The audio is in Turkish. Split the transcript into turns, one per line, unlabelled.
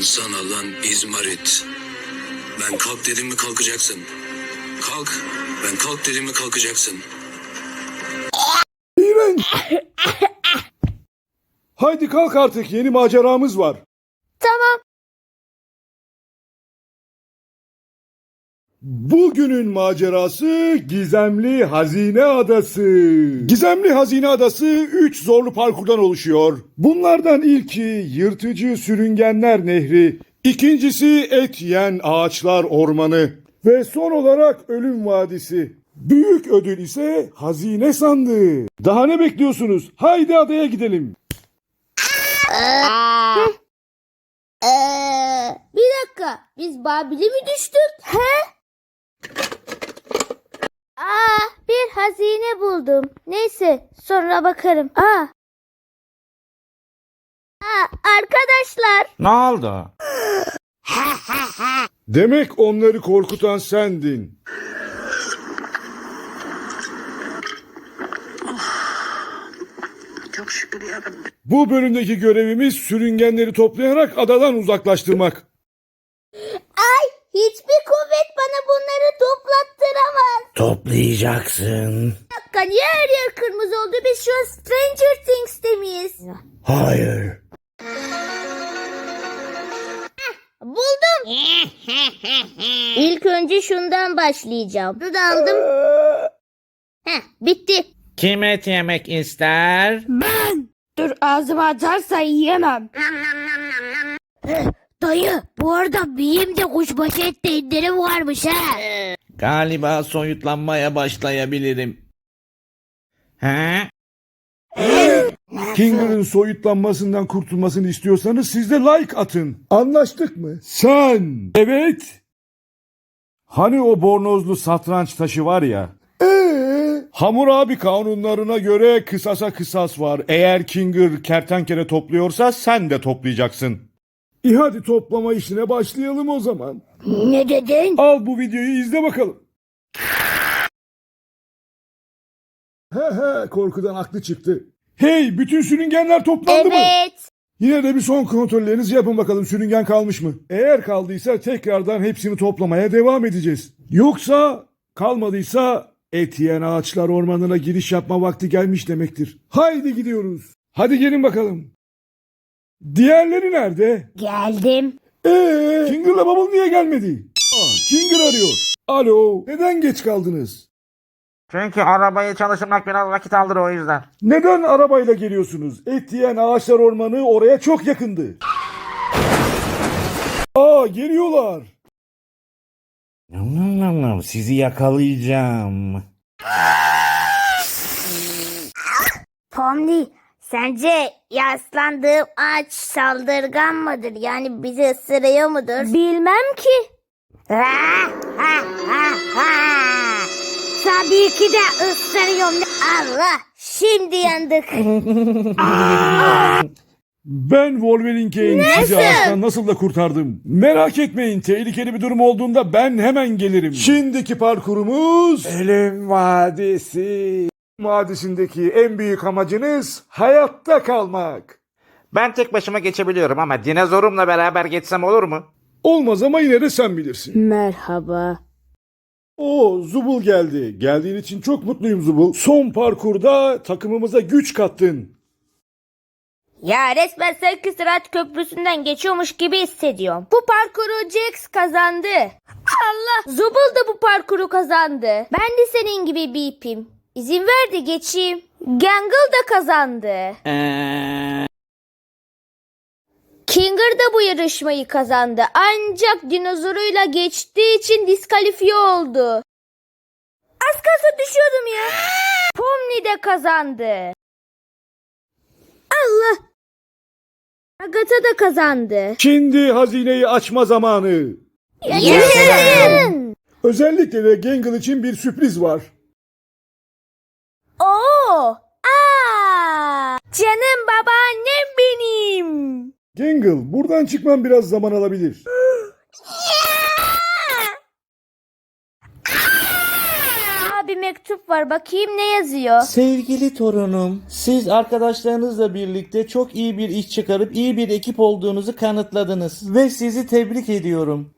sana lan İzmarit. Ben kalk dedim mi kalkacaksın. Kalk. Ben kalk dedim mi kalkacaksın.
İğrenç. Haydi kalk artık, yeni maceramız var.
Tamam.
Bugünün macerası Gizemli Hazine Adası. Gizemli Hazine Adası 3 zorlu parkurdan oluşuyor. Bunlardan ilki Yırtıcı Sürüngenler Nehri, ikincisi Et Yiyen Ağaçlar Ormanı ve son olarak Ölüm Vadisi. Büyük ödül ise hazine sandığı. Daha ne bekliyorsunuz? Haydi adaya gidelim.
Bir dakika. Biz Babil'e mi düştük? He? Bir hazine buldum. Neyse, sonra bakarım. Arkadaşlar.
Ne oldu?
Demek onları korkutan sendin.
Çok şükür yarabbim.
Bu bölümdeki görevimiz sürüngenleri toplayarak adadan uzaklaştırmak.
Hiçbir kuvvet bana bunları toplattıramaz.
Toplayacaksın.
Bir dakika, niye her yer kırmızı oldu? Biz şu an Stranger Things'te miyiz?
Hayır.
Buldum. İlk önce şundan başlayacağım. Bunu da aldım. Bitti.
Kim et yemek ister?
Dur, ağzıma atarsa yiyemem. Dayı, bu arada benim de kuşbaşı ette indirim varmış ha.
Galiba soyutlanmaya başlayabilirim. He?
Kinger'ın soyutlanmasından kurtulmasını istiyorsanız siz de like atın. Anlaştık mı? Sen. Evet. Hani o bornozlu satranç taşı var ya. Hammurabi kanunlarına göre kısasa kısas var. Eğer Kinger kertenkele topluyorsa sen de toplayacaksın. Hadi toplama işine başlayalım o zaman.
Ne dedin?
Al bu videoyu izle bakalım. Korkudan aklı çıktı. Hey, bütün sürüngenler toplandı mı?
Evet.
Yine de bir son kontrollerinizi yapın bakalım, sürüngen kalmış mı? Eğer kaldıysa tekrardan hepsini toplamaya devam edeceğiz. Yoksa kalmadıysa Et Yiyen Ağaçlar Ormanı'na giriş yapma vakti gelmiş demektir. Haydi gidiyoruz. Hadi gelin bakalım. Diğerleri nerede?
Geldim.
Kinger'la Bubble niye gelmedi? Kinger arıyor. Alo, neden geç kaldınız?
Çünkü arabayı çalıştırmak biraz vakit alır, o yüzden.
Neden arabayla geliyorsunuz? Et Yiyen Ağaçlar Ormanı oraya çok yakındı. Geliyorlar.
Sizi yakalayacağım.
Pomni, sence yaslandığım ağaç saldırgan mıdır? Yani bizi ısırıyor mudur? Bilmem ki. Tabii ki de ısırıyorum. Allah, şimdi yandık.
Ben Wolverine Kane sizi ağaçtan nasıl da kurtardım. Merak etmeyin, tehlikeli bir durum olduğunda ben hemen gelirim. Şimdiki parkurumuz Ölüm Vadisi. Vadisindeki en büyük amacınız hayatta kalmak.
Ben tek başıma geçebiliyorum ama dinozorumla beraber geçsem olur mu?
Olmaz ama yine de sen bilirsin.
Merhaba.
Zubul geldi. Geldiğin için çok mutluyum Zubul. Son parkurda takımımıza güç kattın.
Ya resmen Sevki Sırat Köprüsü'nden geçiyormuş gibi hissediyorum. Bu parkuru Jax kazandı. Allah! Zubul da bu parkuru kazandı. Ben de senin gibi bir ipim. İzin ver de geçeyim. Gangle da kazandı. Kinger da bu yarışmayı kazandı. Ancak dinozoruyla geçtiği için diskalifiye oldu. Az kalsın düşüyordum ya. Pomni de kazandı. Allah! Agatha da kazandı.
Şimdi hazineyi açma zamanı.
Yaşasın!
Özellikle de Gangle için bir sürpriz var.
Canım babaannem benim.
Gangle, buradan çıkman biraz zaman alabilir.
bir mektup var. Bakayım ne yazıyor.
Sevgili torunum, siz arkadaşlarınızla birlikte çok iyi bir iş çıkarıp iyi bir ekip olduğunuzu kanıtladınız ve sizi tebrik ediyorum.